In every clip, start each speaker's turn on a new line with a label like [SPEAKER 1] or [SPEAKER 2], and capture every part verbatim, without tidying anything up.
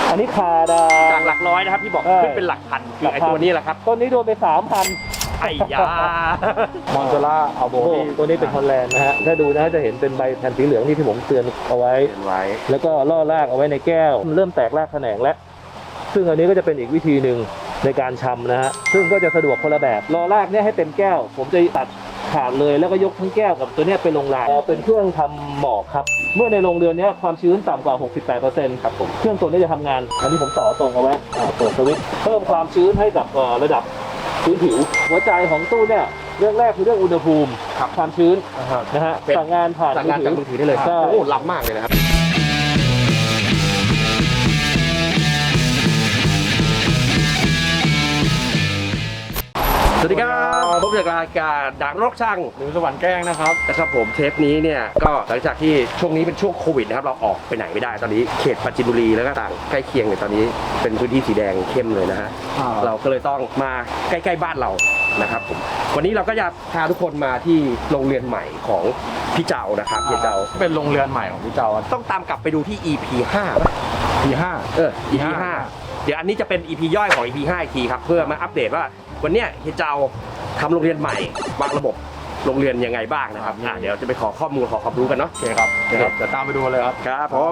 [SPEAKER 1] อันนี้คาดา
[SPEAKER 2] จากหลักร้อยนะครับที่บอกขึ้นเป็นหลักพันคือไอ้ตัวนี้แหละครับ
[SPEAKER 1] ต้นนี้โดนไปสามพัน
[SPEAKER 2] ไอ้ยาม
[SPEAKER 1] อนโซล่าอัลโบตัวนี้เป็นฮอลแลนด์นะฮะถ้าดูนะจะเห็นเป็นใบแผ่นสีเหลืองนี่ที่ผมเตือนเอาไว้แล้วก็ล่อรากเอาไว้ในแก้วเริ่มแตกรากแขนงแล้วซึ่งอันนี้ก็จะเป็นอีกวิธีหนึ่งในการชำนะฮะซึ่งก็จะสะดวกคนละแบบล่อรากเนี่ยให้เต็มแก้วผมจะตัดขาดเลยแล้วก็ยกทั้งแก้วกับตัวนี้ไปลงรางเป็นเครื่องทำหมอกครับเมื่อในโรงเรือนนี้ความชื้นต่ำกว่า หกสิบแปดเปอร์เซ็นต์ ครับผมเครื่องตัวนี้จะทำงานอันนี้ผมต่อตรงเอาไว้เปิดสวิตช์เพิ่มความชื้นให้กับระดับพื้นผิวหัวใจของตู้เนี่ยเรื่องแรกคือเรื่องอุณหภูมิความชื้นนะฮะสั่งงานผ่าน
[SPEAKER 2] มือถือได้เลยโอ้ล้ำมากเลยนะครับสวัสดีครับพบกับรายการดักรกช่าง
[SPEAKER 1] หรือสวรรค์แกล้งนะครับ
[SPEAKER 2] นะครับผมเทปนี้เนี่ยก็หลังจากที่ช่วงนี้เป็นช่วงโควิดนะครับเราออกไปไหนไม่ได้ตอนนี้เขตปราจีนบุรีแล้วก็ต่างใกล้เคียงเนี่ยตอนนี้เป็นพื้นที่สีแดงเข้มเลยนะฮะเราก็เลยต้องมาใกล้ๆบ้านเรานะครับผมวันนี้เราก็จะพาทุกคนมาที่โรงเรียนใหม่ของพี่เจ้านะครับพี่เจ้า
[SPEAKER 1] เป็นโรงเรียนใหม่ของพี่เจ้า
[SPEAKER 2] ต้องตามกลับไปดูที่ อี พี ห้า
[SPEAKER 1] อี พี ห้า
[SPEAKER 2] เออ อี พี ห้าเดี๋ยวอันนี้จะเป็น อี พี ย่อยของ อี พี ห้าอีกทีครับเพื่อมาอัปเดตว่าวันนี้เฮียเจ้าทำโรงเรียนใหม่วางระบบโรงเรียนยังไงบ้างนะครับอ่ะเดี๋ยวจะไปขอข้อมูลขอความรู้กันเนาะ
[SPEAKER 1] โอเคครับเดี๋ยวตามไปดูเลยครับ
[SPEAKER 2] ครับผม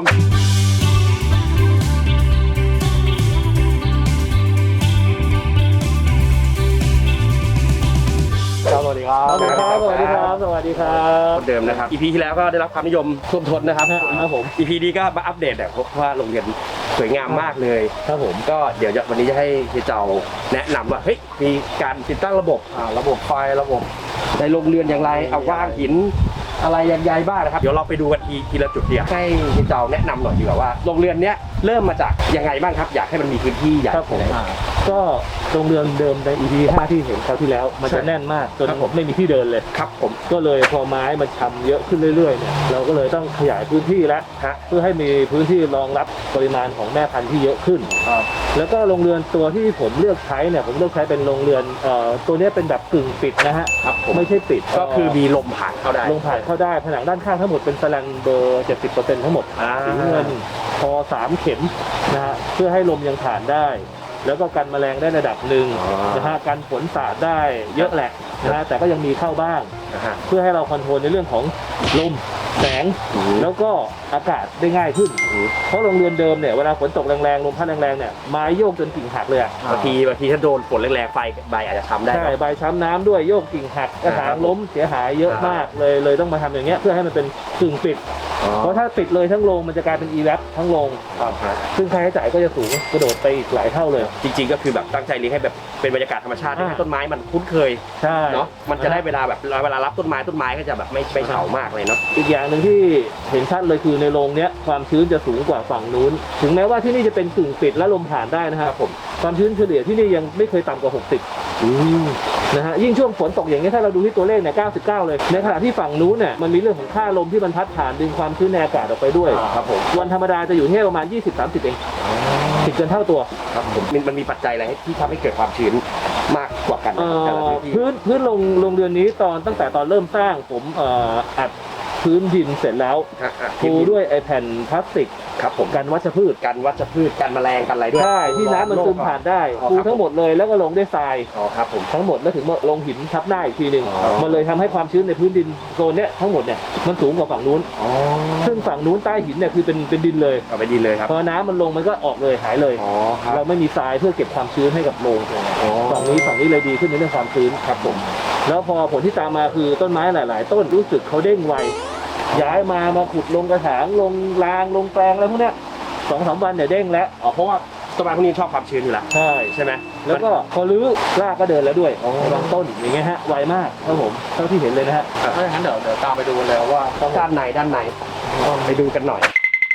[SPEAKER 1] สวัสดีครับสวัสดีครับสวัสดีครับสวัสดีครับ
[SPEAKER 2] เดิมนะครับ อี พี ที่แล้วก็ได้รับความนิยมท่วมท้นนะครับ
[SPEAKER 1] ครับผม
[SPEAKER 2] อี พี นี้ก็มาอัปเดตแบบเพราะว่าโรงเรียนสวยงามมากเลย
[SPEAKER 1] ครับผม
[SPEAKER 2] ก็เดี๋ยววันนี้จะให้เฮียเจ้าแนะนำว่าเฮ้ยมีการติดตั้งระบบ
[SPEAKER 1] อ่าระบบไฟระบบ
[SPEAKER 2] ในโรงเรียนอย่างไรเอาว่างหินอะไรยังไงบ้างนะครับเดี๋ยวเราไปดูกันทีทีละจุดเดียวให้เฮียเจ้าแนะนำหน่อยดีกว่าว่าโรงเรียนเนี้ยเริ่มมาจากยังไงบ้างครับอยากให้มันมีพื้นที่ใหญ่
[SPEAKER 1] ครับผมก็โรงเรียนเดิมใน อี พี ห้าที่เห็นคราวที่แล้วมันจะแน่นมากจนผมไม่มีที่เดินเลย
[SPEAKER 2] ครับผม
[SPEAKER 1] ก็เลยพอไม้มันชำเยอะขึ้นเรื่อยๆเนี่ยเราก็เลยต้องขยายพื้นที่แล้วเพื่อให้มีพื้นที่รองรับปริมาณของแม่พันธุ์ที่เยอะขึ้นแล้วก็โรงเรือนตัวที่ผมเลือกใช้เนี่ยผมเลือกใช้เป็นโรงเรือนตัวนี้เป็นแบบกึ่งปิดนะฮะไม่ใช่ปิด
[SPEAKER 2] ก็คือมีลมผ่านเข้าได้
[SPEAKER 1] ลมผ่านเข้าได้ผนังด้านข้างทั้งหมดเป็นแสลนเบอร์ เจ็ดสิบเปอร์เซ็นต์ ทั้งหมดสีเงินพอสามเข็มนะฮะเพื่อให้ลมยังผ่านได้แล้วก็กันแมลงได้ระดับหนึ่งนะฮะกันฝนสาดได้เยอะแหละนะฮะแต่ก็ยังมีเข้าบ้างเพื่อให้เราคอนโทรลในเรื่องของลมแสงแล้วก็อากาศได้ง่ายขึ้นเพราะโรงเรือนเดิมเนี่ยเวลาฝนตกแรงๆลมพัดแรงๆเนี่ยไม้โยกจนกิ่งหักเลยอ่ะ
[SPEAKER 2] บางทีบางทีถ้าโดนฝนแรงๆไฟใบอาจจะช้ำได้
[SPEAKER 1] ใช่ใบช้ำน้ำด้วยโยกกิ่งหักกระถางล้มเสียหายเยอะมากเลยเลยต้องมาทำอย่างเงี้ยเพื่อให้มันเป็นกึ่งปิดเพราะถ้าปิดเลยทั้งโรงมันจะกลายเป็น อี แวป ทั้งโรงซึ่งค่าใช้จ่ายก็จะสูงกระโดดไปอีกหลายเท่าเลย
[SPEAKER 2] จริงๆก็คือแบบตั้งใจเลี้ยงให้แบบเป็นบรรยากาศธรรมชาติให้ต้นไม้มันคุ้นเคยเนาะมันจะได้เวลาแบบเวลารับต้นไม้ต้นไม้ก็จะแบบไม่ไม่เฉามากเลยเนาะ
[SPEAKER 1] อีกอย่างหนึ่งที่เห็นชัดเลยคือในโรงเนี้ยความชื้นจะสูงกว่าฝั่งนู้นถึงแม้ว่าที่นี่จะเป็นกึ่งปิดและลมผ่านได้นะครับผมความชื้นเฉลี่ยที่นี่ยังไม่เคยต่ำกว่าหกสิบนะฮะยิ่งช่วงฝนตกอย่างนี้ถ้าเราดูที่ตัวเลขเนี่ยเก้าสิบเก้าเลยในขณะที่ฝั่งนู้นเนี่ยมันมีเรื่องของค่าลมที่มันพัดผ่านดึงความชื้นในอากาศออกไปด้วย
[SPEAKER 2] ครับผม
[SPEAKER 1] วันธรรมดาจะอยู่ที่ประมาณ ยี่สิบถึงสามสิบ เองติดเกินเท่าตัว
[SPEAKER 2] ครับผมมันมีปัจจัยอะไรที่ทำให้เกิดความชื้นมากกว่ากันแต่ละพื้นที่
[SPEAKER 1] พื้นพื้นโรงโรงเรือนนี้ตอนตั้งแต่ตอนเริ่มสร้างผมอัดพื้นดินเสร็จแล้วปูด้วยไอแผ่นพลาสติก
[SPEAKER 2] ครับผม
[SPEAKER 1] กันวัชพืช
[SPEAKER 2] กันวัชพืชกันแมลงกันอะไรด้วย
[SPEAKER 1] ใช่ที่น้ำมันซึมผ่านได้ปูทั้งหมดเลยแล้วก็ลงด้วยทราย
[SPEAKER 2] อ๋อครับผม
[SPEAKER 1] ทั้งหมดแล้วถึงมาลงหินทับหน้าอีกทีหนึ่งมันเลยทำให้ความชื้นในพื้นดินโซนเนี้ยทั้งหมดเนี่ยมันสูงกว่าฝั่งนู้นซึ่งฝั่งนู้นใต้หินเนี่ยคือเป็นเป็นดินเลย
[SPEAKER 2] เอาไปดินเลยครับ
[SPEAKER 1] พอน้ำมันลงมันก็ออกเลยหายเลยเราไม่มีทรายเพื่อเก็บความชื้นให้กับโรงฝั่งนี้ฝั่งนี้เลยดีขึ้นในเรื่องความชื้นครับผมแล้วพอผลที่ตามมาคือต้นไม้หลายๆต้นรู้สึกเขาเด้งไวย้ายมามาขุดลงกระถางลงรางลงแปลงอะไรพวกเนี้ยสองสามวันเนี่ยเด้งแล้ว
[SPEAKER 2] อ๋อเพราะว่าต้นไม้พวกนี้ชอบความชื้นอยู่แล้ว
[SPEAKER 1] ใช่
[SPEAKER 2] ใช่ไหม
[SPEAKER 1] แล้วก็พอรื้อรากก็เดินแล้วด้วยบางต้นอย่างเงี้ยฮะไวมากครับผมเท่าที่เห็นเลยนะฮะ
[SPEAKER 2] ถ้าอย่างนั้นเดี๋ยวเดี๋ยวตามไปดูเลยว่าด้านไหนด้านไหนไปดูกันหน่อย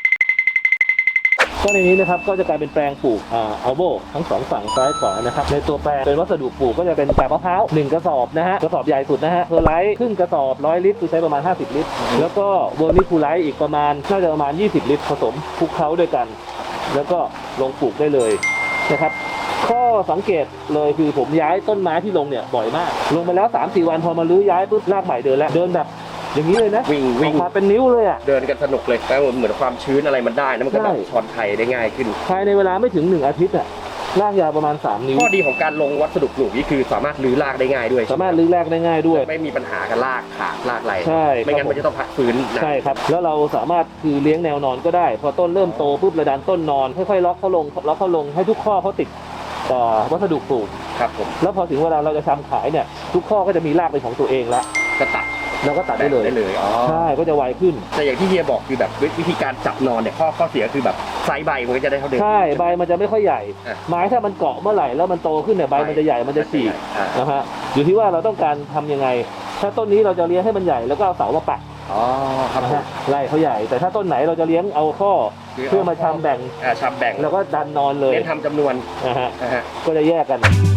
[SPEAKER 1] ก็ในนี้นะครับก็จะกลายเป็นแปลงปลูกอ่าอัลโบทั้งสองฝั่งซ้ายขวานะครับในตัวแปลงเป็นวัสดุปลูกก็จะเป็นกาบมะพร้าวหนึ่งกระสอบนะฮะกระสอบใหญ่สุดนะฮะเพอร์ไลท์ครึ่งกระสอบร้อยลิตรคือใช้ประมาณห้าสิบลิตรแล้วก็เวอร์มิคูไลท์อีกประมาณน่าจะประมาณยี่สิบลิตรผสมคลุกเคล้าด้วยกันแล้วก็ลงปลูกได้เลยนะครับข้อสังเกตเลยคือผมย้ายต้นไม้ที่ลงเนี่ยบ่อยมากลงไปแล้ว สามถึงสี่ วันพอมาลื้อย้ายปุ๊บรากใหม่เดินแล้วเดินแบบอย่างนี้เลยนะ
[SPEAKER 2] วิ่งวิ่ง
[SPEAKER 1] ออกมาเป็นนิ้วเลยอ่ะ
[SPEAKER 2] เดินกันสนุกเลยแล้วเหมือนความชื้นอะไรมันได้นะมันก็แบบ
[SPEAKER 1] ใช่
[SPEAKER 2] ช้อนไทยได้ง่ายขึ้น
[SPEAKER 1] ภายในเวลาไม่ถึงหนึ่งอาทิตย์อ่ะรากยาวประมาณสามนิ้ว
[SPEAKER 2] ข้อดีของการลงวัสดุปลูกนี่คือสามารถรื้อรากได้ง่ายด้วย
[SPEAKER 1] สามารถรื้อแรกได้ง่ายด้วย
[SPEAKER 2] ไม่มีปัญหากับรากขาดรากไหล
[SPEAKER 1] ใช่
[SPEAKER 2] ไม่งั้น
[SPEAKER 1] ครับ
[SPEAKER 2] มันจะต้องพักฟื้นนะ
[SPEAKER 1] ใช่ครับแล้วเราสามารถคือเลี้ยงแนวนอนก็ได้ พอต้นเริ่มโตปุ๊บระดันต้นนอนค่อยๆล็อกเขาลงล็อกเขาลงให้ทุกข้อเขาติดต่อวัสดุปลูก
[SPEAKER 2] ครับผม
[SPEAKER 1] แล้วพอถึงเวลาเราจะทำขายเนี่ยทุกข้อก็จะมีรากเป็นของตัวเองละ
[SPEAKER 2] ก็ตัด
[SPEAKER 1] เราก็ตัดได้เลย
[SPEAKER 2] ได้เลยอ๋อ
[SPEAKER 1] ใช่ก็จะไวขึ้น
[SPEAKER 2] แต่อย่างที่เฮียบอกคือแบบวิธีการจับนอนเนี่ยข้อข้อเสียคือแบบไซส์ใบมันก็จะได้เท่าเดิม
[SPEAKER 1] ใช่ใบมันจะไม่ค่อยใหญ่
[SPEAKER 2] อ่ะ
[SPEAKER 1] ไม้ถ้ามันเกาะเมื่อไหร่แล้วมันโตขึ้นเนี่ยใบมันจะใหญ่มันจะฉีก
[SPEAKER 2] อ่า
[SPEAKER 1] นะฮะอยู่ที่ว่าเราต้องการทำยังไง ถ้าต้นนี้เราจะเลี้ยงให้มันใหญ่แล้วก็เอาเสามาปัก
[SPEAKER 2] อ๋อครับ
[SPEAKER 1] นะ
[SPEAKER 2] ผม
[SPEAKER 1] ฮะไล่เขาใหญ่ แต่ถ้าต้นไหนเราจะเลี้ยงเอาข้อเพื่อมาทำแบ่ง
[SPEAKER 2] อ่าชำแบ่ง
[SPEAKER 1] แล้วก็ดันนอนเลย
[SPEAKER 2] เน้นทำจำนวน
[SPEAKER 1] นะฮะ
[SPEAKER 2] นะฮะ
[SPEAKER 1] ก็จะแยกกัน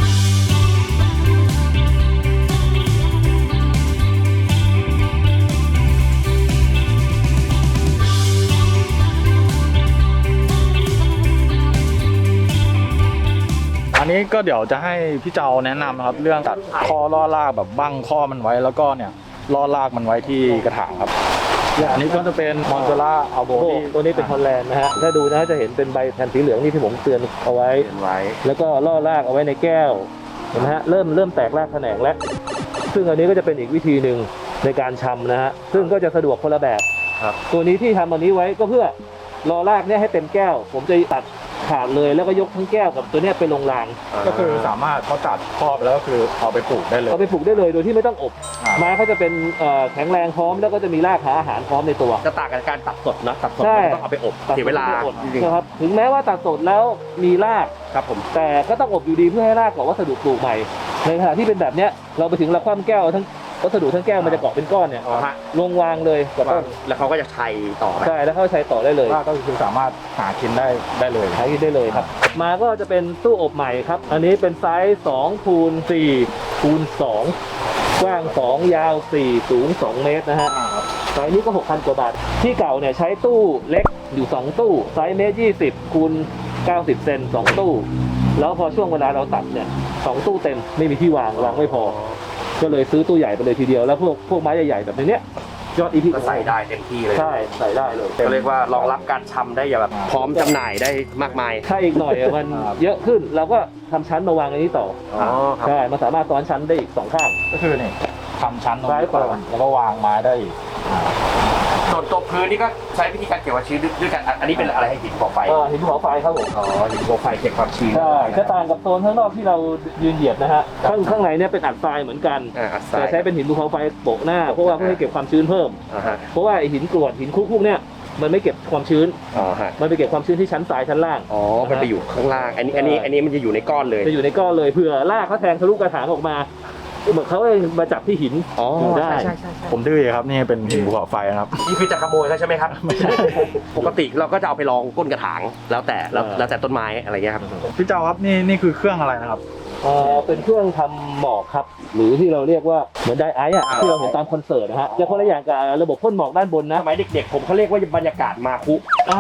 [SPEAKER 3] อันนี้ก็เดี๋ยวจะให้พี่เจ้าแนะนำนะครับเรื่องตัดข้อล่อรากแบบบั้งข้อมันไว้แล้วก็เนี่ยล่อรากมันไว้ที่กระถางครับอันนี้ก็จะเป็นมอนเตล่าอัลโบ
[SPEAKER 1] โอ้ตัวนี้เป็นฮอลแลนด์นะฮะถ้าดูนะจะเห็นเป็นใบแผ่นสีเหลืองนี่ที่ผมเตือนเอาไว้
[SPEAKER 2] เขียนไว้
[SPEAKER 1] แล้วก็ล่อรากเอาไว้ในแก้วเห็นไหมฮะเริ่มเริ่มแตกรากแขนงแล้ว ซึ่งอันนี้ก็จะเป็นอีกวิธีหนึ่งในการชำนะฮะซึ่งก็จะสะดวกคนละแบบ
[SPEAKER 2] ครับ
[SPEAKER 1] ตัวนี้ที่ทำอันนี้ไว้ก็เพื่อรอรากเนี่ยให้เต็มแก้ว ผมจะตัดขาดเลยแล้วก็ยกทั้งแก้วกับตัวเนี้ยไปลงราง
[SPEAKER 3] ก็คือสามารถเขาตัดครอบแล้วก็คือเอาไปปลูกได้เลย
[SPEAKER 1] เอาไปปลูกได้เลยโดยที่ไม่ต้องอบ
[SPEAKER 3] อ่า
[SPEAKER 1] ไม้เขาจะเป็นเอ่อแข็งแรงพร้อมแล้วก็จะมีรากหาอาหารพร้อมในตัว
[SPEAKER 2] จะต่างกับการตัดสดนะตัดสด
[SPEAKER 1] ใช่
[SPEAKER 2] มันต้องเอาไปอบ
[SPEAKER 1] ตัด
[SPEAKER 2] เสียเวลา
[SPEAKER 1] ไม่ได้อด
[SPEAKER 2] จริง
[SPEAKER 1] นะครับถึงแม้ว่าตัดสดแล้วมีราก
[SPEAKER 2] ๆครับผม
[SPEAKER 1] แต่ก็ต้องอบอยู่ดีเพื่อให้รากเกาะวัสดุปลูกใหม่ ในขณะที่เป็นแบบเนี้ยเราไปถึงเราคว่ำแก้วทั้งวัสดุทั้งแก้วมันจะเกาะเป็นก้อนเนี่ย
[SPEAKER 2] อ๋อฮะ
[SPEAKER 1] ลงวางเลยกับต้น
[SPEAKER 2] แล้วเขาก็จะชัยต่อไป
[SPEAKER 1] ใช่แล้วเข้าใช้ต่อได้เลย
[SPEAKER 3] ว่าก็คือสามารถหากินได้ได้เลย
[SPEAKER 1] ใช้ได้เลยครับ มาก็จะเป็นตู้อบใหม่ครับ อันนี้เป็นไซส์สองคูณสี่คูณสองกว้างสองยาวสี่สูงสองเมตรนะฮะไซส์นี้ก็หกพันกว่าบาทที่เก่าเนี่ยใช้ตู้เล็กอยู่สองตู้ไซส์เมตรยี่สิบคูณเก้าสิบเซนสองตู้แล้วพอช่วงเวลาเราตัดเนี่ยสองตู้เต็มไม่มีที่วางวางไม่พอ ก็เลยซื้อตู้ใหญ่ไปเลยทีเดียวแล้วพวกพวกไม้ใหญ่ๆแบบนี้ยอดอีพี
[SPEAKER 2] ก็ใส่ได้เต็มที่เลย
[SPEAKER 1] ใช่ใส่ได้เลย
[SPEAKER 2] ก็เรียกว่ารองรับการชำได้อย่างแบบพร้อมจำหน่ายได้มากมาย
[SPEAKER 1] ถ้าอีกหน่อยอะมันเยอะขึ้นเราก็ทำชั้นมาวางอันนี้ต่อ
[SPEAKER 2] อ๋อครับ
[SPEAKER 1] ใช่มันสามารถซ้อนชั้นได้อีกสองข้าง
[SPEAKER 3] ก็คือนี่ทำชั้นตรง
[SPEAKER 1] ซ้าย
[SPEAKER 3] นี้
[SPEAKER 1] ขวา
[SPEAKER 3] ก่อนแล้วก็วางไม้ได้อีก
[SPEAKER 2] ส่วนตัวพื้นนี่ก็ใช้วิธีการเก็บความชื้นด้วยกันอันนี้เป็นอะไรให้หินภูเขาไฟ
[SPEAKER 1] เออหินภูเขาไฟครับผม
[SPEAKER 2] อ๋อหินภูเขาไฟเก็บความชื้น
[SPEAKER 1] ใช่จะต่างกับโซนข้างนอกที่เรายืนเหยียบนะฮะข้างข้างในเนี่ยเป็นอัดทรายเหมือนกัน
[SPEAKER 2] อ่าอัดทรา
[SPEAKER 1] แต่
[SPEAKER 2] ย
[SPEAKER 1] ใช้เป็นหินภูเขาไฟโปะหน้าเพราะว่าเพื่อให้เก็บความชื้นเพิ่ม
[SPEAKER 2] อ่าฮะ
[SPEAKER 1] เพราะว่าไอหินกรวดหินคุกพวกเนี่ยมันไม่เก็บความชื้น
[SPEAKER 2] อ๋อฮะ
[SPEAKER 1] มันไปเก็บความชื้นที่ชั้นทรายชั้นล่าง
[SPEAKER 2] อ๋อมันไปอยู่ข้างล่างอันนี้อันนี้อันนี้มันจะอยู่ในก้อนเลย
[SPEAKER 1] จะอยู่ในก้อนเลยเผื่อรากเขาแทงทะลุกระถางออกมาเหมือนเขาเองมาจับที่หิน
[SPEAKER 2] อ๋อ
[SPEAKER 1] อยู่ได้
[SPEAKER 2] ใช่ใช่ใช่
[SPEAKER 3] ผมดื้อครับนี่เป็นหินภูเขาไฟนะครับ
[SPEAKER 2] นี่คือจะขโมยเขาใช่ไหมครับไม่ใช่ปกติเราก็จะเอาไปลองก้นกระถางแล้วแต่แล้วแล้วแต่ต้นไม้อะไรเงี้ยครับ
[SPEAKER 3] พี่เจ้าครับนี่นี่คือเครื่องอะไรนะครับ
[SPEAKER 1] เอ่อเป็นเครื่องทำหมอกครับ หรือที่เราเรียกว่าเหมือนไดไอซ์อะที่เราเห็นตามคอนเสิร์ตนะฮะจะคนละอย่างกับระบบพ่นหมอกด้านบนนะ
[SPEAKER 2] สมัยเด็กๆผมเขาเรียกว่าบรรยากาศมาคุ
[SPEAKER 1] อ่า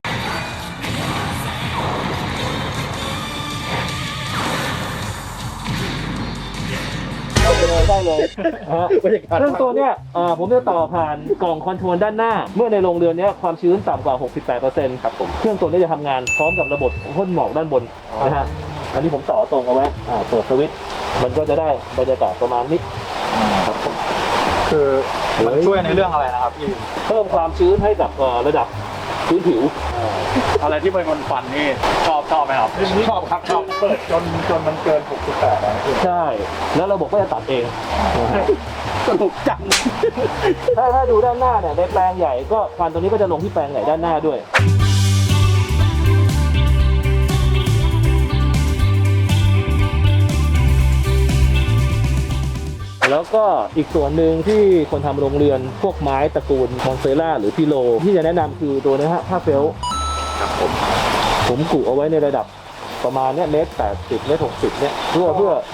[SPEAKER 1] ได้เลยฮะ
[SPEAKER 2] บรรยากาศ
[SPEAKER 1] ซึ่งตัวเนี้ยเอ่อผมจะต่อผ่านกล่องคอนโทรลด้านหน้า เมื่อในโรงเรือนเนี้ยความชื้นต่ำกว่า หกสิบแปดเปอร์เซ็นต์
[SPEAKER 2] ครับผม
[SPEAKER 1] เครื่องตัวนี้จะทำงานพร้อมกับระบบพ่นหมอกด้านบนนะฮะ อันนี้ผมต่อตรงเอาไว้อ่าเปิดสวิตช์มันก็จะได้บรรยากาศประมาณนี้ครับผม
[SPEAKER 3] คือมันช่วยในเรื่องอะไรนะครับพี่
[SPEAKER 1] เพิ่มความชื้นให้กับเอ่อระดับพื้นผิว
[SPEAKER 3] อะไรที่เป็นคนฟันนี่ชอบชอบไหมครับ
[SPEAKER 2] ชอบครับชอบ
[SPEAKER 3] เปิดจนจนมันเกินหกสิบแปดนะพี่
[SPEAKER 1] ใช่ แล้วระบบก็จะตัดเอง
[SPEAKER 2] สนุกจัง
[SPEAKER 1] ถ้าถ้าดูด้านหน้าเนี่ยในแปลงใหญ่ก็ควันตัวนี้ก็จะลงที่แปลงใหญ่ด้านหน้าด้วย แล้วก็อีกส่วนหนึ่งที่คนทำโรงเรือนพวกไม้ตระกูลมอนเซล่าหรือพิโลที่จะแนะนำคือตัวนี้ฮะผ้าเฟลต์
[SPEAKER 2] ครับผม
[SPEAKER 1] ผมกุเอาไว้ในระดับประมาณเนี้ยเมตรแปดสิบเมตรหกสิบเนี่ยเพื่อเพื่อ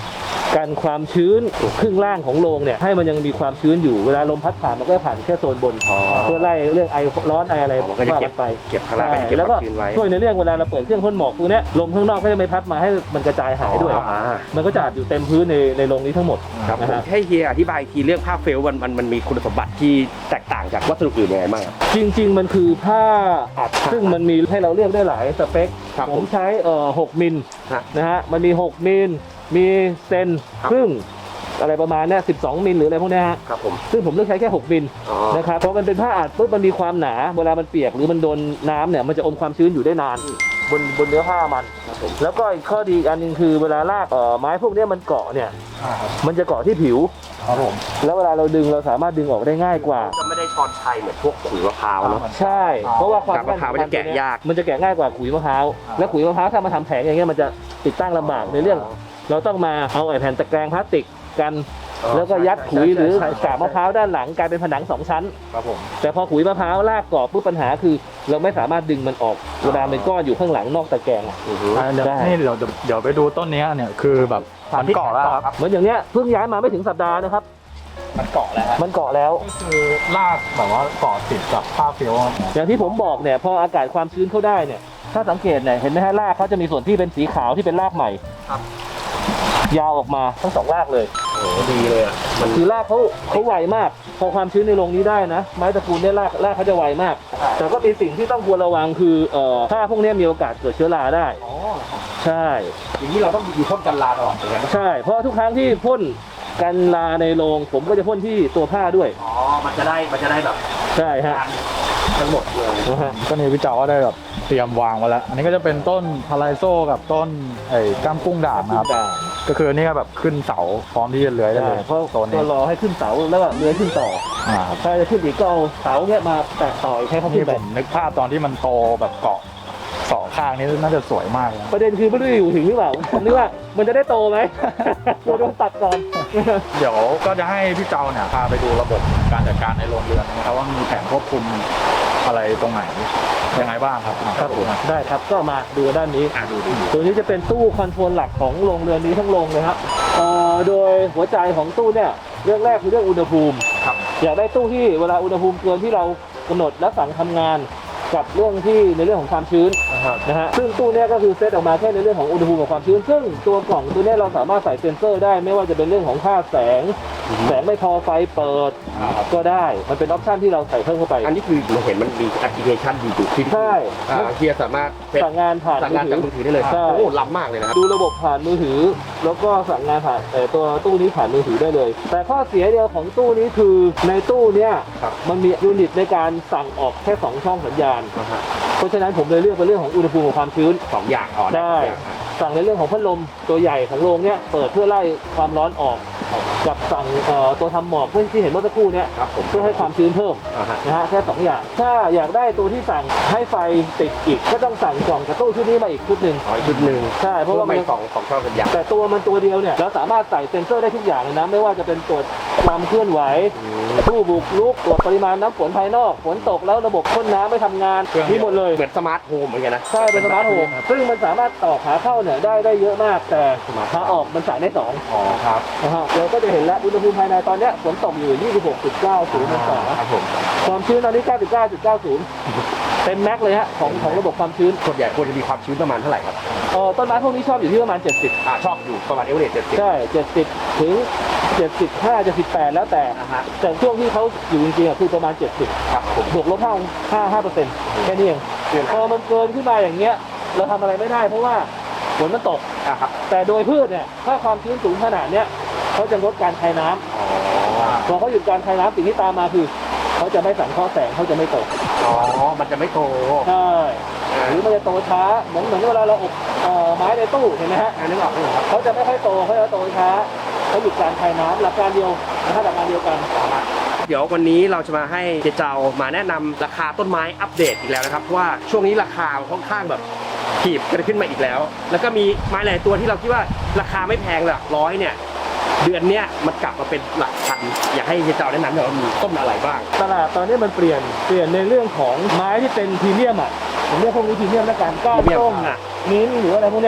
[SPEAKER 1] กันความชื้นครึ่งล่างของโรงเนี่ยให้มันยังมีความชื้นอยู่เวลาลมพัดผ่านมันก็จะผ่านแค่โซนบนเพื่อไล่เรื่องไอร้อนไออะไร
[SPEAKER 2] มันก็จะเก็บ
[SPEAKER 1] ไป
[SPEAKER 2] เก็บข้างล่างเป็นเก็บ
[SPEAKER 1] แล้ว
[SPEAKER 2] ค
[SPEAKER 1] ก็
[SPEAKER 2] วามชื้นไว้
[SPEAKER 1] ช่วยในเรื่องเวลาเราเปิดเครื่องพ่นหมอกพวกเนี้ยลมข้างนอกก็จะไม่พัดมาให้มันกระจายหายด้วย
[SPEAKER 2] อ่า
[SPEAKER 1] มันก็จะอัดอยู่เต็มพื้นในในโรงนี้ทั้งหมด
[SPEAKER 2] ครับ
[SPEAKER 1] นะ
[SPEAKER 2] ผม
[SPEAKER 1] ฮะ
[SPEAKER 2] ให้เฮียอธิบายอีกทีเรื่องผ้าเฟลต์มันมันมันมีคุณสมบัติที่แตกต่างจากวัสดุอื่นยังไงบ้างครับ
[SPEAKER 1] จริง ๆ มันคือผ้าอัดซึ่งมันมีให้เราเลือกได้หลายสเปค
[SPEAKER 2] ครับ
[SPEAKER 1] ผ
[SPEAKER 2] ผม
[SPEAKER 1] มใช้เอ่อหกมิล
[SPEAKER 2] ฮะ
[SPEAKER 1] นะฮะมันมีหกมิลมีเซน
[SPEAKER 2] ครับ
[SPEAKER 1] ครึ่งอะไรประมาณเนี้ยสิบสองมิลหรืออะไรพวกเนี้ยฮะ
[SPEAKER 2] ครับผม
[SPEAKER 1] ซึ่งผมเลือกใช้แค่หกมิล
[SPEAKER 2] อ๋อ
[SPEAKER 1] นะครับเพราะมันเป็นผ้าอัดปุ๊บมันมีความหนาเวลามันเปียกหรือมันโดนน้ำเนี่ยมันจะอมความชื้นอยู่ได้นานบนบนเนื้อผ้ามัน แล้วก็อีกข้อดีอีกอันหนึงคือเวลาลากเอ่อไม้พวกเนี้ยมันเกาะเนี่ยมันจะเกาะที่ผิว
[SPEAKER 3] ครับผม
[SPEAKER 1] แล้วเวลาเราดึงเราสามารถดึงออกได้ง่ายกว่า
[SPEAKER 2] จะไม่ได้ชอนชัยเหมือนพวกขุยมะพร้าวเนาะ
[SPEAKER 1] ใช่ เพราะว่าความ
[SPEAKER 2] กับมะพร้าวมันจะแกะยาก
[SPEAKER 1] มันจะแกะง่ายกว่าขุยมะพร้าวและขุยมะพร้าวถ้ามาทำแผงอย่างเงี้ยมันจะติดตั้งลำบากในเรื่อง เราต้องมาเอาไอ้แผ่นตะแกรงพลาสติกกัน แล้วก็ยัดขุยหรือกาบมะพร้าวด้านหลังกลายเป็นผนังสองชั้น
[SPEAKER 3] ครับผม
[SPEAKER 1] แต่พอขุยมะพร้าวลากกรอบปุ๊บปัญหาคือ เราไม่สามารถดึงมันออกเวลาเป็นก้อนอยู่ข้างหลังนอกตะแกรงอะ
[SPEAKER 3] อ่าเดี๋ยว
[SPEAKER 1] ได้
[SPEAKER 3] นี่เดี๋ยวเดี๋ยวเดี๋ยวไปดูต้นเนี้ยเนี่ยคือแบบมันเกาะแล้วครับ
[SPEAKER 1] เหมือนอย่างเนี้ยเพิ่งย้ายมาไม่ถึงสัปดาห์นะครับ
[SPEAKER 3] มันเกาะแล้วฮะ
[SPEAKER 1] มันเกาะแล้ว
[SPEAKER 3] ก็คือลากแบบว่าเกาะติดกับผ้าเฟลครับ
[SPEAKER 1] อย่างที่ผมบอกเนี่ยพออากาศความชื้นเข้าได้เนี่ยถ้าสังเกตเนี่ยเห็นไหมฮะรากเขาจะมีส่วนที่เป็นสีขาวที่เป็นรากใหม่
[SPEAKER 2] ครับ
[SPEAKER 1] ยาวออกมาทั้งสองรากเลย
[SPEAKER 2] โอ้โหดีเลยอ่ะมัน
[SPEAKER 1] คือรากเขาเขาไวมาก พอความชื้นในโรงนี้ได้นะ ไม้ตระกูลเนี่ยรากรากเขาจะไวมาก แต่ก็มีสิ่งที่ต้องควรระวังคือเอ่อถ้าพวกเนี้ยมีโอกาสเกิดเชื้อราได้
[SPEAKER 2] อ๋อ
[SPEAKER 1] ใช่
[SPEAKER 2] อย่างนี้เราต้องมีพ่นกันราตลอดเลยนะ
[SPEAKER 1] ใช่ เพราะทุกครั้งที่พ่นกันราในโรงผมก็จะพ่นที่ตัวผ้าด้วย
[SPEAKER 2] อ๋อมันจะได้มันจะได้แบบ
[SPEAKER 1] ใช่ฮะ
[SPEAKER 2] ทั้งหมดเลย
[SPEAKER 1] นะฮะ
[SPEAKER 3] ก็นี่พี่เจ้าก็ได้แบบเตรียมวางไว้แล้ว อันนี้ก็จะเป็นต้นพาราไซโซกับต้นไอ้ก้ามกุ้งด่างนะครับ ก็คือนี่ก็แบบขึ้นเสาพร้อมที่จะเลื้อยได้
[SPEAKER 1] ใช่
[SPEAKER 3] เลย
[SPEAKER 1] เพราะ
[SPEAKER 3] โซน
[SPEAKER 1] ก็
[SPEAKER 3] นี้
[SPEAKER 1] รอให้ขึ้นเสาแล้วก็เลื้อยขึ้นต่อ
[SPEAKER 3] อ่าครับ
[SPEAKER 1] ถ้าจะขึ้นอีกก็เอาเสาเนี้ยมาแตะต่ออีกให้เขาขึ้
[SPEAKER 3] นี่
[SPEAKER 1] นไป
[SPEAKER 3] ผมนึกภาพตอนที่มันโตแบบเกาะสองข้างนี้น่าจะสวยมากเลย
[SPEAKER 1] ประเด็นคือไม่รู้จะอยู่ถึงหรือเปล่าผมนึกว่ามันจะได้โตไหม กลัวโดนตัดก่อน
[SPEAKER 3] เดี๋ยวก็จะให้พี่เจ้าเนี่ยพาไปดูระบบการจัดการในโรงเรือนนะครับว่ามีแผนควบคุมอะไรตรงไหนยังไงบ้างครับ
[SPEAKER 1] ครับผมได้ครับก็มาดูด้านนี้
[SPEAKER 2] อ่ะดูดู
[SPEAKER 1] ตัวนี้จะเป็นตู้คอนโทรลหลักของโรงเรือนนี้ทั้งโรงเลยครับเอ่อโดยหัวใจของตู้เนี่ยเรื่องแรกคือเรื่องอุณหภูมิ
[SPEAKER 2] ครับ
[SPEAKER 1] อยากได้ตู้ที่เวลาอุณหภูมิเกินที่เรากำหนดและสั่งทำงานกับเรื่องที่ในเรื่องของความชื้นนะฮะซึ่งตู้เนี้ยก็คือเซตออกมาแค่ในเรื่องของอุณหภูมิกับความชื้น ซึ่งตัวกล่องตัวเนี้ยเราสามารถใส่เซ็นเซอร์ได้ไม่ว่าจะเป็นเรื่องของค่าแสง แสงไม่พอไฟเปิดก็ได้มันเป็นออปชันที่เราใส่เพิ่มเข้าไป
[SPEAKER 2] อันนี้คือเราเห็นมันมีแอปพลิเคชันดีอยู่ที่
[SPEAKER 1] ใช่
[SPEAKER 2] อ่าเฮียสามารถเป็น
[SPEAKER 1] สั่งงานผ่าน
[SPEAKER 2] สั่งงานจากมือถือได้เลย
[SPEAKER 1] ใช่
[SPEAKER 2] โอ้ล้ำมากเลยนะครับ
[SPEAKER 1] ดูระบบผ่านมือถือ แล้วก็สั่งงานผ่านเอ่อตัวตู้นี้ผ่านมือถือได้เลย แต่ข้อเสียเดียวของตู้นี้คือในตู้เนี้ย
[SPEAKER 2] ครับ
[SPEAKER 1] มันมียูนิตในการสั่งออกแค่สองช่องสัญญาณ เพราะฉะนั้นผมเลยเลือกเป็นเรื่องของอุณหภูมิกับความชื้น
[SPEAKER 2] สองอย่างอ๋อ
[SPEAKER 1] ได้
[SPEAKER 2] สองอย่างอ่ะ
[SPEAKER 1] สั่งในเรื่องของพัดลมตัวใหญ่ของโรงเนี้ยเปิดเพื่อไล่ความร้อนออก กับสั่งเอ่อตัวทำหมอกเพื่อที่เห็นเมื่อสักครู่เนี้ย
[SPEAKER 2] ครับผม
[SPEAKER 1] เพื่อให้ความชื้นเพิ่ม
[SPEAKER 2] อ่าฮะ
[SPEAKER 1] นะฮะแค่สองอย่าง ถ้าอยากได้ตัวที่สั่งให้ไฟติดอีกก็ต้องสั่งกล่องกระตู้ชุดนี้มาอีกชุดหนึ่ง
[SPEAKER 2] อ๋ออีกชุดหนึ่ง
[SPEAKER 1] ใช่เพราะว่ามัน
[SPEAKER 2] ไม่สองสองช่องสัญญาณ
[SPEAKER 1] แต่ตัวมันตัวเดียวเนี่ยเราสามารถใส่เซ็นเซอร์ได้ทุกอย่างเลยนะไม่ว่าจะเป็นตรวจความเคลื่อนไหวผู้บุกรุกตรวจปริมาณน้ำฝนภายนอกฝนตกแล้วระบบพ่นน้ำไม่ทำงานมีหมดเลย
[SPEAKER 2] เหมือนสมาร์ทโฮมเหมือนกันนะ
[SPEAKER 1] ใช่เป็นสมาร์ทโฮมซึ่งมันสามารถต่อขาเข้าเนี่ยได้ได้เยอะมากแต่ขาออกมันสั่งได้สอง
[SPEAKER 2] อ๋อครับ
[SPEAKER 1] นะฮะเราก็จะเห็นแล้วอุณหภูมิภายในตอนเนี้ยฝนตกอยู่ ยี่สิบหกจุดเก้าศูนย์ องศา
[SPEAKER 2] ครับผม
[SPEAKER 1] ความชื้นตอนนี้ เก้าสิบเก้าจุดเก้าศูนย์ เต็มแม็กซ์เลยฮะของของระบบความชื้น
[SPEAKER 2] ส่วนใหญ่ควรจะมีความชื้นประมาณเท่าไหร่ครับ
[SPEAKER 1] เอ่อต้นไม้พวกนี้ชอบอยู่ที่ประมาณ เจ็ดสิบ
[SPEAKER 2] อ่าชอบอยู่ประมาณเอเวอเรสต์เจ็ดสิบ
[SPEAKER 1] ใช่ เจ็ดสิบ ถึง เจ็ดสิบห้า เจ็ดสิบแปด แล้วแต่
[SPEAKER 2] อ่าฮะ
[SPEAKER 1] แต่ช่วงที่เขาอยู่จริงๆอ่ะคือประมาณ เจ็ดสิบ
[SPEAKER 2] ครับผม
[SPEAKER 1] บวกลบห้าห้าห้าเปอร์เซ็นต์แค่นี้เองพอมันเกินขึ้นมาอย่างเงี้ยเราทำอะไรไม่ได้เพราะว่าฝนมันตก
[SPEAKER 2] อ่าครับ
[SPEAKER 1] แต่โดยพืชเนี่ยถ้าความชื้นสูงขนาดเนี้ยเขาจะลดการคายน้ำ
[SPEAKER 2] อ๋อ
[SPEAKER 1] พอเขาหยุดการคายน้ำสิ่งที่ตามมาคือเขาจะไม่สังเคราะห์แสงเขาจะไม่โต
[SPEAKER 2] อ๋อมันจะไม่โต
[SPEAKER 1] ใช่หรือมันจะโตช้าเหมือนเหมือนเวลาเราอบเอ่อไม้ในตู้เห็นไหมฮะ
[SPEAKER 2] อันนี้ออกไหมครับ
[SPEAKER 1] เขาจะไม่ค่อยโตเขาจะโตช้าเขาหยุดการคายน้ำหลักการเดียวนะครับหลักการเดียวกัน
[SPEAKER 2] เดี๋ยววันนี้เราจะมาให้เจเจามาแนะนำราคาต้นไม้อัปเดตอีกแล้วนะครับเพราะว่าช่วงนี้ราคาค่อนข้างแบบถีบกันขึ้นมาอีกแล้ว แล้วก็มีไม้หลายตัวที่เราคิดว่าราคาไม่แพงหลักร้อยเนี่ยเดือนเนี้ยมันกลับมาเป็นหลักพันอยากให้เจเจาแนะนำหน่อยว่ามีต้นอะไรบ้าง
[SPEAKER 1] ตลาดตอนนี้มันเปลี่ยนเปลี่ยนในเรื่องของไม้ที่เป็นพรีเมียมอ่ะผมเรียกพวกนี้พรีเมียมแล้วกันก้าน
[SPEAKER 2] พรีเมียม
[SPEAKER 1] ส้ม
[SPEAKER 2] อ่ะ
[SPEAKER 1] มิ้นท์หรืออะไรพวกเนี้ย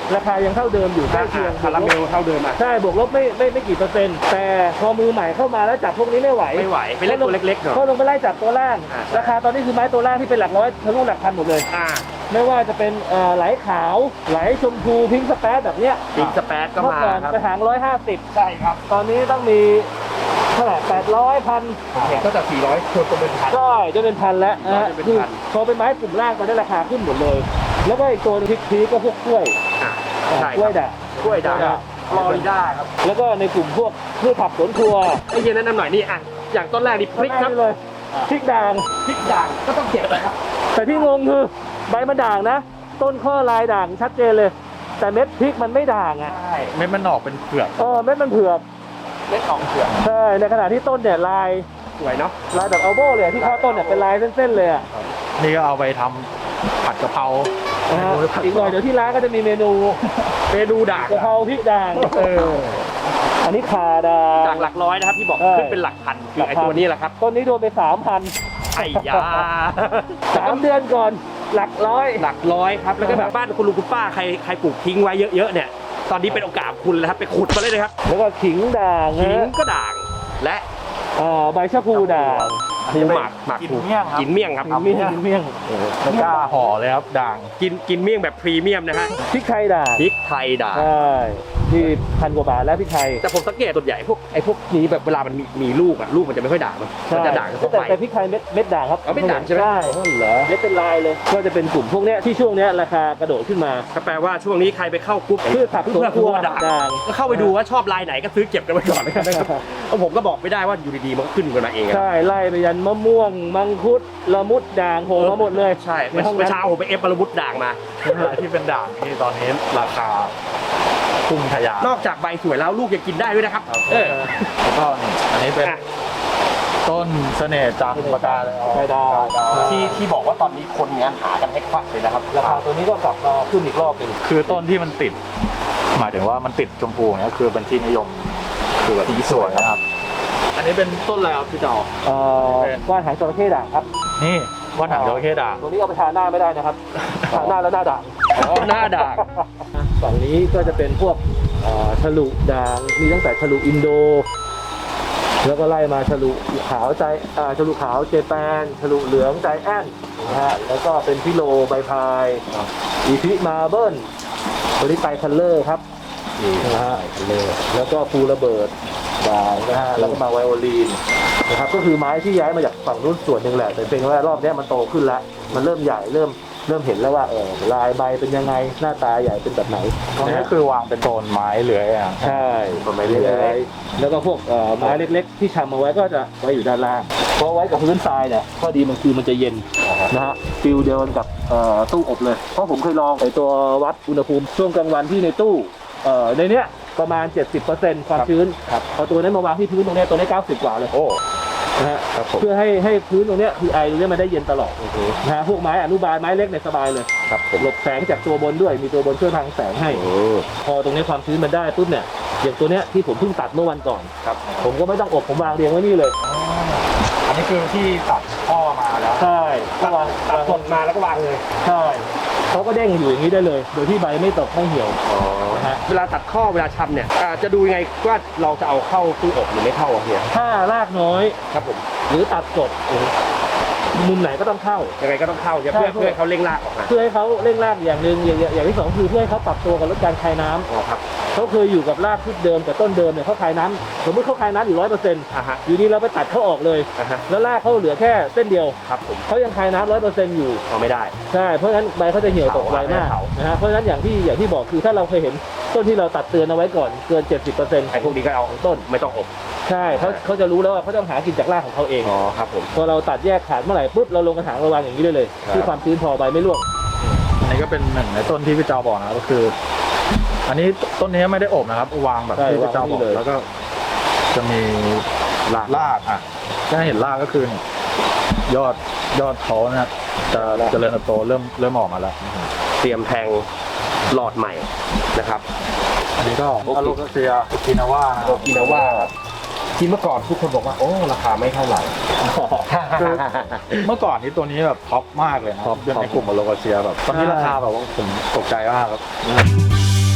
[SPEAKER 1] ราคายังเท่าเดิมอยู่ใกล้เคียง
[SPEAKER 2] คาราเมลเท่าเดิมอ่ะ
[SPEAKER 1] ใช่บวกลบไม่ไม่ไม่กี่เปอร์เซ็นต์แต่พอมือใหม่เข้ามาแล้วจับพวกนี้ไม่ไหว
[SPEAKER 2] ไม่ไหวไปเล่นตัวเล็กๆหน่อย
[SPEAKER 1] ก็ลงไปไล่จับตัวล่าง
[SPEAKER 2] อ่า
[SPEAKER 1] ราคาตอนนี้คือไม้ตัวล่างที่เป็นหลักร้อยทะลุหลักพันหมดเลย
[SPEAKER 2] อ่า
[SPEAKER 1] ไม่ว่าจะเป็นเอ่อไหลขาวไหลชมพูพิงค์สเปซแบบเนี้ย
[SPEAKER 2] ปิงสเปซก็
[SPEAKER 1] เมื่อ
[SPEAKER 2] มา
[SPEAKER 1] ก่อน
[SPEAKER 2] ครับ
[SPEAKER 1] กระถางร้อยห้าสิบ
[SPEAKER 2] ใช่ครับ
[SPEAKER 1] ตอนนี้ต้องมีเท่าไหร่แปดร้อยพัน
[SPEAKER 2] เห็นก็จากสี่ร้อยคนตัวเป็นพัน
[SPEAKER 1] ก็จะเป็นพันแล้วนะฮะ
[SPEAKER 2] จะเป็น
[SPEAKER 1] คือ
[SPEAKER 2] พัน
[SPEAKER 1] พอเป็นไม้กลุ่มล่างตอนนี้ราคาขึ้นหมดเลย แล้วก็อีกตัวหนึงพีคๆก็พวกกล้วย
[SPEAKER 2] อ่ะ
[SPEAKER 1] อ่า
[SPEAKER 2] ใช่
[SPEAKER 1] กล้วย
[SPEAKER 2] ครับ
[SPEAKER 1] ด่าง
[SPEAKER 2] กล้วยด่าง
[SPEAKER 1] กล้วยด่าง
[SPEAKER 2] ฟลอริดาครับ
[SPEAKER 1] แล้วก็ในกลุ่มพวกพืชผักสวนครัว
[SPEAKER 2] ไอ้เย็นแนะนำหน่อยนี่อ่ะอย่างต้นแรกนี่พริกครับ
[SPEAKER 1] เลยพริกด่าง
[SPEAKER 2] พริกด่างก็ต้องเก็บนะครับ
[SPEAKER 1] แต่ที่งงคือใบมันด่างนะ ต้นข้อลายด่างชัดเจนเลย แต่เม็ดพริกมันไม่ด่างอ่ะ
[SPEAKER 2] ใช่
[SPEAKER 3] เม็ดมันออกเป็นเผือก
[SPEAKER 1] เออเม็ดมันเผือก
[SPEAKER 2] เล็ดออกเผือก
[SPEAKER 1] ใช่ในขณะที่ต้นเนี่ยลาย
[SPEAKER 2] สวยเนาะ
[SPEAKER 1] ลายแบบอัลโบเลยอะที่ข้อต้นเนี่ยเป็นลายเส้นๆเลยอ่ะ
[SPEAKER 3] นี่ก็เอาไปทำผัดกะเพรา
[SPEAKER 1] นะฮะอีกหน่อยเดี๋ยวที่ร้านก็จะมีเมนู
[SPEAKER 2] เมนูด่าง
[SPEAKER 1] กะเพราพริกด่าง
[SPEAKER 2] เออ
[SPEAKER 1] อันนี้ขาด่าง
[SPEAKER 2] จากหลักร้อยนะครับที่บอก
[SPEAKER 1] ใช่
[SPEAKER 2] ขึ้นเป็นหลักพันคือไอ้ตัวนี้แหละครับ
[SPEAKER 1] ต้นนี้โดนไปสามพัน
[SPEAKER 2] ไอ้ยา
[SPEAKER 1] สามเดือนก่อนหลักร้อย
[SPEAKER 2] หลักร้อยครับแล้วก็แบบบ้านคุณลุงคุณป้าใครใครปลูกทิ้งไว้เยอะๆเนี่ยตอนนี้เป็นโอกาสของคุณแล้วครับไปขุดมาเลยนะครับ
[SPEAKER 1] แล้วก็ขิงด่าง
[SPEAKER 2] ทิ้ง
[SPEAKER 1] นะ
[SPEAKER 2] ก็ด่างและ
[SPEAKER 1] เอ่อใบชะพูด่าง
[SPEAKER 2] ภูหมักหมัก
[SPEAKER 3] กิน
[SPEAKER 2] ภู
[SPEAKER 3] เมี่ยงครับ
[SPEAKER 2] กินเมี่ยงครับ
[SPEAKER 1] กินเมี่ยงกินเมี่ยง
[SPEAKER 3] ไม่กล้าห่อเลยครับด่าง
[SPEAKER 2] กินกินเมี่ยงแบบพรีเมียมนะฮะ
[SPEAKER 1] พริกไทยด่าง
[SPEAKER 2] พริกไทยด่าง
[SPEAKER 1] ใช่ที่พันกว่าบาทแล้วพริกไทย
[SPEAKER 2] แต่ผมสังเกตส่วนใหญ่พวกไอ้พวกนี้แบบเวลามันมีมีลูกอะลูกมันจะไม่ค่อยด่างมันมันจะด่างเฉพาะ
[SPEAKER 1] แต่
[SPEAKER 2] ใบ
[SPEAKER 1] แต่พริกไทยเม็ดเม็ดด่างครับ
[SPEAKER 2] อ๋อเม็ดด่างใช่ไหม
[SPEAKER 1] ใช่
[SPEAKER 2] อ๋อเหรอ
[SPEAKER 1] เม็ดเป็นลายเลย ก็จะเป็นกลุ่มพวกเนี้ยที่ช่วงเนี้ยราคากระโดดขึ้นมา
[SPEAKER 2] ก็แปลว่าช่วงนี้ใครไปเข้ากรุ๊ป
[SPEAKER 1] พืชผักสวนครัว
[SPEAKER 2] ด่าง
[SPEAKER 1] ด่าง
[SPEAKER 2] ก็เข้าไปดูว่าชอบลายไหนก็ซื้อเก็บกันไว้ก่อนนะครับเพราะผมก็บอกไม่ได้ว่าอยู่ดีๆมันก็ขึ้นกันมาเองอะ
[SPEAKER 1] ใช่ไล่ไปยันมะม่วง มังคุดละมุดด่างโผล่มาหมดเลย
[SPEAKER 2] ใช่
[SPEAKER 1] ในห้อง
[SPEAKER 2] เมื่อ
[SPEAKER 1] นั้น
[SPEAKER 2] เช้าผมไปเอฟปรมุดด่างมา
[SPEAKER 3] ที่เป็นด่างที่ตอนนี้ราคาพุ่งทะยาน
[SPEAKER 2] นอกจากใบสวยแล้วลูกยังกินได้ด้วยนะครับ เออ
[SPEAKER 3] แล้วก็นี่อันนี้เป็น
[SPEAKER 2] อ่ะ
[SPEAKER 3] ต้นเสน่ห์จันทร์ปากกาเลย
[SPEAKER 1] ใช่ดาว
[SPEAKER 2] ที่ที่บอกว่าตอนนี้คนงานหากันให้ควักเลยนะครับ
[SPEAKER 1] ราคาตัวนี้ก็กลับมาขึ้นอีกรอบหนึ่ง
[SPEAKER 3] คือต้นที่มันติด หมายถึงว่ามันติดชมพูเนี่ยคือเป็นที่นิยมคือแบบที่สวยนะครับ อันนี้เป็นต้นอะไรครับพี่เจ้า
[SPEAKER 1] เอ่อ
[SPEAKER 3] เป็น
[SPEAKER 1] ว่านหางจระเข้ด่างครับ
[SPEAKER 3] นี่ว่านหางจระเข้ด่าง
[SPEAKER 1] ตัวนี้เอาไปทาหน้าไม่ได้นะครับทาหน้าแล้วหน้าด่าง
[SPEAKER 2] อ๋อหน้าด่าง
[SPEAKER 1] ฝั่งนี้ก็จะเป็นพวกเอ่อฉลุด่างมีตั้งแต่ฉลุอินโด แล้วก็ไล่มาฉลุขาวใจอ่าฉลุขาวเจแปนฉลุเหลืองใจแอนนะฮะแล้วก็เป็นพิโลใบพายอีพิมาเบิลตัวนี้ไตรคัลเลอร์ครับนะฮะแล้วก็ฟูระเบิดด่างนะฮะแล้วก็มาไวโอลีนนะครับก็คือไม้ที่ย้ายมาจากฝั่งนู้นส่วนหนึ่งแหละแต่เป็นว่ารอบนี้มันโตขึ้นแล้วมันเริ่มใหญ่เริ่มเริ่มเห็นแล้วว่าเออลายใบเป็นยังไงหน้าตาใหญ่เป็นแบบไหน
[SPEAKER 3] ตรงนี้
[SPEAKER 1] นะ
[SPEAKER 3] ก็
[SPEAKER 1] ฮะ
[SPEAKER 3] คือวางเป็นโซนไม้เลื้อยอ่ะ
[SPEAKER 1] ใช่
[SPEAKER 2] ต้นไม้เลื้อย
[SPEAKER 1] แล้วก็พวกเอ่อไม้เล็กๆ ที่ชำเอาไว้ก็จะไว้อยู่ด้านล่างเพราะไว้กับพื้นทรายเนี่ยข้อดีมันคือมันจะเย็นนะฮะฟิลเดียวกันกับเอ่อตู้อบเลย เพราะผมเคยลองไอตัววัดอุณหภูมิช่วงกลางวันที่ในตู้เอ่อในเนี้ยประมาณ เจ็ดสิบเปอร์เซ็นต์ ความชื้นครับเอาตัวนั้นมาวางที่พื้นตรงเนี้ยตัวนี้เก้าสิบกว่าเลย
[SPEAKER 3] โอ้
[SPEAKER 1] นะฮะ
[SPEAKER 3] ครับผม
[SPEAKER 1] เพื่อให้ให้พื้นตรงเนี้ยคือไอตรงเนี้ยมันได้เย็นตลอดนะฮะพวกไม้อนุบาลไม้เล็กเนี่ยสบายเลย
[SPEAKER 2] ครับผม
[SPEAKER 1] หลบแสงจากตัวบนด้วยมีตัวบนช่วยพังแสงให้ พอตรงนี้ความชื้นมันได้ปุ๊บเนี่ยอย่างตัวเนี้ยที่ผมเพิ่งตัดเมื่อวันก่อน
[SPEAKER 3] ครับ
[SPEAKER 1] ผมก็ไม่ต้องอบผมวางเรียงไว้นี่เลย
[SPEAKER 3] อันนี้คือที่ตัดข้อมาแล้ว
[SPEAKER 1] ใช่ก็วาง
[SPEAKER 2] ตัดสดมาแล้วก็วางเลย
[SPEAKER 1] ใช่เขาก็เด้งอยู่อย่างนี้ได้เลย โดยที่ใบไม่ตกไม่เหี่ยวนะฮะ
[SPEAKER 2] เวลาตัดข้อเวลาชำเนี่ยอ่าจะดูยังไงว่าเราจะเอาเข้าตู้อบหรือไม่เข้าอะเฮีย
[SPEAKER 1] ถ้ารากน้อย
[SPEAKER 2] ครับผม
[SPEAKER 1] หรือตัดสดมุมไหนก็ต้องเข้า
[SPEAKER 2] ยังไงก็ต้องเข้าใช่ไหม
[SPEAKER 1] ใช่
[SPEAKER 2] เพื่อเพื่อให้เขาเร่งรากออกมา
[SPEAKER 1] เพื่อให้เขาเร่งรากอย่างหนึ่งอย่างอย่างอย่างที่สองคือเพื่อให้เขาปรับตัวกับลดการคายน้ำ
[SPEAKER 2] อ๋อครับ
[SPEAKER 1] เขาเคยอยู่กับรากชุดเดิมแต่ต้นเดิมเนี่ยเขาคายน้ำสมมติเขาคายน้ำอยู่ร้อยเปอร์เซ็นต์
[SPEAKER 2] อ่าฮะ
[SPEAKER 1] อยู่ดีเราไปตัดเขาออกเลย
[SPEAKER 2] อ่าฮะ
[SPEAKER 1] แล้วรากเขาเหลือแค่เส้นเดียว
[SPEAKER 2] ครับผม
[SPEAKER 1] เขายังคายน้ำร้อยเปอร์เซ็นต์อยู่
[SPEAKER 2] เอาไม่ได้
[SPEAKER 1] ใช่ เพราะฉะนั้นใบเขาจะเหี่ยวตกไวมาก
[SPEAKER 2] เผา
[SPEAKER 1] นะฮะ เพราะฉะนั้นอย่างที่อย่างที่บอกคือถ้าเราเคยเห็นต้นที่เราตัดเตือนเอาไว้ก่อนเกิน เจ็ดสิบเปอร์เซ็นต์
[SPEAKER 2] ไอ้พวกนี้ก็เอาต้นไม่ต้องอบ
[SPEAKER 1] ใช่เขาเขาจะรู้แล้วว่าเขาต้องหากินจากรากของเขาเอง
[SPEAKER 2] อ๋อครับผม
[SPEAKER 1] พอเราตัดแยกขาดเมื่อไหร่ปุ๊บเราลงกระถางระวางอย่างนี้ได้เลย
[SPEAKER 2] ครับ
[SPEAKER 1] ที่ความชื้นพอใบไม่ร่วง
[SPEAKER 3] อันนี้ก็เป็นหนึ่งในต้นที่พี่เจ้าบอกนะครับก็คือ อันนี้ต้นนี้ไม่ได้อบนะครับ วางแบบ
[SPEAKER 1] ใช่
[SPEAKER 3] ที่พี่เจ้าบอก
[SPEAKER 1] วางนี่เลย
[SPEAKER 3] แล้วก็จะมีรากรากอ่ะถ้าเห็นรากก็คือเนี่ยยอดยอดเขานะครับจะเจริญเติบโตเริ่มเริ่มออกมาแล้ว
[SPEAKER 2] เตรียมแทงหลอดใหม่นะครับ
[SPEAKER 3] อันนี้ก็อโลกาเซียโอกินาว่านะค
[SPEAKER 2] โอ
[SPEAKER 3] รับ
[SPEAKER 2] กินาว่าที่เมื่อก่อนทุกคนบอกว่าโอ้ราคาไม่เท่าไหร่
[SPEAKER 3] คือเมื่อก่อนนี้ตัวนี้แบบท็อปมากเลยนะ
[SPEAKER 1] ท็อป
[SPEAKER 3] เป็นในกลุ่มอโลกาเซียแบบตอนนี้ราคาแบบว่าผมตกใจมากครับ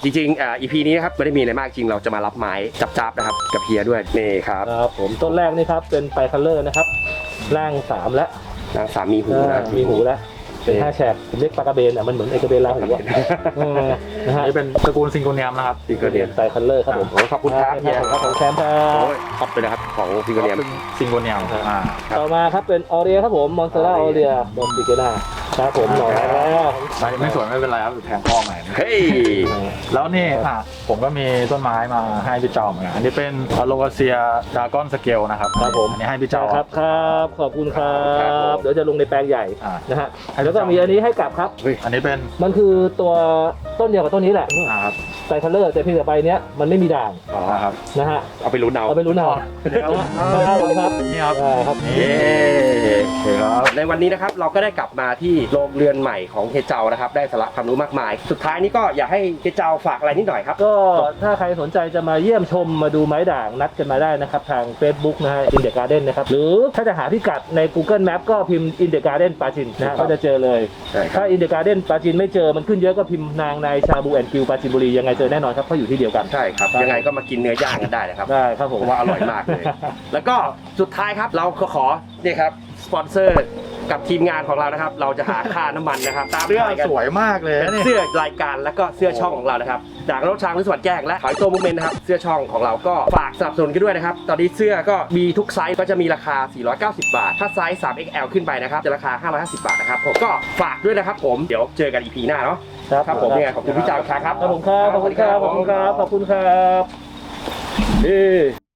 [SPEAKER 2] จริงๆอ่า อี พี นี้นะครับไม่ได้มีอะไรมากจริงเราจะมารับไม้จับๆนะครับกับเฮียด้วยนี่ครับ
[SPEAKER 1] ครับผมต้นแรกนี่ครับเป็นไบคัลเลอร์นะครับร่างสามและ
[SPEAKER 2] นางสามีหูนะ
[SPEAKER 1] มีหูแล้วเป็นห้าแฉกผมเรียกปลากระเบนอ่ะมันเหมือนไอกระเบนลาหูอ่ะเออนะฮะ
[SPEAKER 3] อันนี้เป็นตระกูลซิงโกเนียมนะครับ
[SPEAKER 2] ซิงเกิลเนียม
[SPEAKER 1] ไบคัลเลอร์ครับผม
[SPEAKER 2] โอ้ขอบคุณครับเฮีย
[SPEAKER 1] ครับผมแชมป์ครั
[SPEAKER 2] โอ้
[SPEAKER 1] บ
[SPEAKER 2] ยขอบไปนะครับของซิงเกิลเนียม
[SPEAKER 3] เป็นซิงโกเนียมอ่า
[SPEAKER 1] ต่อมาครับเป็นออเรียครับผมมอนสเตอร่าออเรียโดนติเกน่าครับผมหน่อยแล้ว
[SPEAKER 3] ไม่ไม่สวยไม่เป็นไรครับแทงข้อใหม่นะ
[SPEAKER 2] เฮ้ย
[SPEAKER 3] แล้วนี่อ่ะผมก็มีต้นไม้มาให้พี่เจ้าเหมือนกันอันนี้เป็นโลกาเซียดากอนสเกลนะครับ
[SPEAKER 1] ครับผม
[SPEAKER 3] อันนี้ให้พี่เจ้า
[SPEAKER 1] ครับครับขอบคุณครั
[SPEAKER 2] ครับผม
[SPEAKER 1] บเดี๋ยวจะลงในแปลงใหญ่
[SPEAKER 3] อ่า
[SPEAKER 1] นะฮะแล้วก็มีอันนี้ให้กลับครับ
[SPEAKER 3] อันนี้เป็น
[SPEAKER 1] มันคือตัวต้นเดียวกับต้นนี้แหละ
[SPEAKER 3] อ่าครับ
[SPEAKER 1] ไบคัลเลอร์แต่เพียงแต่ใบเนี้ยมันไม่มีด่าง
[SPEAKER 3] อ๋อครับ
[SPEAKER 1] นะฮะ
[SPEAKER 2] เอาไปลุ้นเอา
[SPEAKER 1] เอาไปรู้นเอา
[SPEAKER 3] ครับ
[SPEAKER 1] ครับ
[SPEAKER 3] นี่ครับ
[SPEAKER 1] อ่าครับ
[SPEAKER 3] นี่
[SPEAKER 2] เย้
[SPEAKER 3] โอเคครับ
[SPEAKER 2] ในวันนี้นะครับเราก็ได้กลับมาที่โรงเรือนใหม่ของเฮเจานะครับได้สาระความรู้มากมาย สุดท้ายนี้ก็อยากให้เฮเจาฝากอะไรนิดหน่อยครับ
[SPEAKER 1] ก็ถ้าใครสนใจจะมาเยี่ยมชมมาดูไม้ด่างนัดกันมาได้นะครับทาง Facebook นะฮะ In the Garden นะครับหรือถ้าจะหาพิกัดใน Google Map ก็พิมพ์ In the Garden ปาจินนะฮะก็จะเจอเลย
[SPEAKER 2] ใช่ครับ
[SPEAKER 1] ถ้า In the Garden ปาจินไม่เจอมันขึ้นเยอะก็พิมพ์นางในชาบูแอนด์กิวปาจินบุรียังไงเจอแน่นอนครับเพราะอยู่ที่เดียวกัน
[SPEAKER 2] ใช่ครับยังไงก็มากินเนื้อย่างกันได้นะครับ
[SPEAKER 1] ได้ครับผ
[SPEAKER 2] ผม มว่าอร่อยมากเลย แล้วก็สุดท้ายครับเราก็ขอเนี่ยครับสปอนเซอร์กับทีมงานของเรานะครับ เราจะหาค่าน้ำมันนะครับ ตาม
[SPEAKER 3] เสื้อ
[SPEAKER 2] รายกัน
[SPEAKER 3] สวยมากเลย
[SPEAKER 2] เป็น
[SPEAKER 3] นี่
[SPEAKER 2] เสื้อรายการแล้วก็เสื้อช่องของเรานะครับจากรถช้างวิศวรรณแจ้งและถอยตัวมุมเมนนะครับเสื้อช่องของเราก็ฝากสนับสนุนกันด้วยนะครับตอนนี้เสื้อก็มีทุกไซส์ก็จะมีราคา สี่ร้อยเก้าสิบบาท ถ้าไซส์ สาม เอ็กซ์ แอล ขึ้นไปนะครับจะราคา ห้าร้อยห้าสิบบาทนะครับผมก็ฝากด้วยนะครับผมเดี๋ยวเจอกัน อี พี หน้าเนาะครับผมยังไงขอบคุณพี่จาวครับ
[SPEAKER 1] ครับผมครับขอบคุณครับขอบคุณครับขอบคุณครับเอ้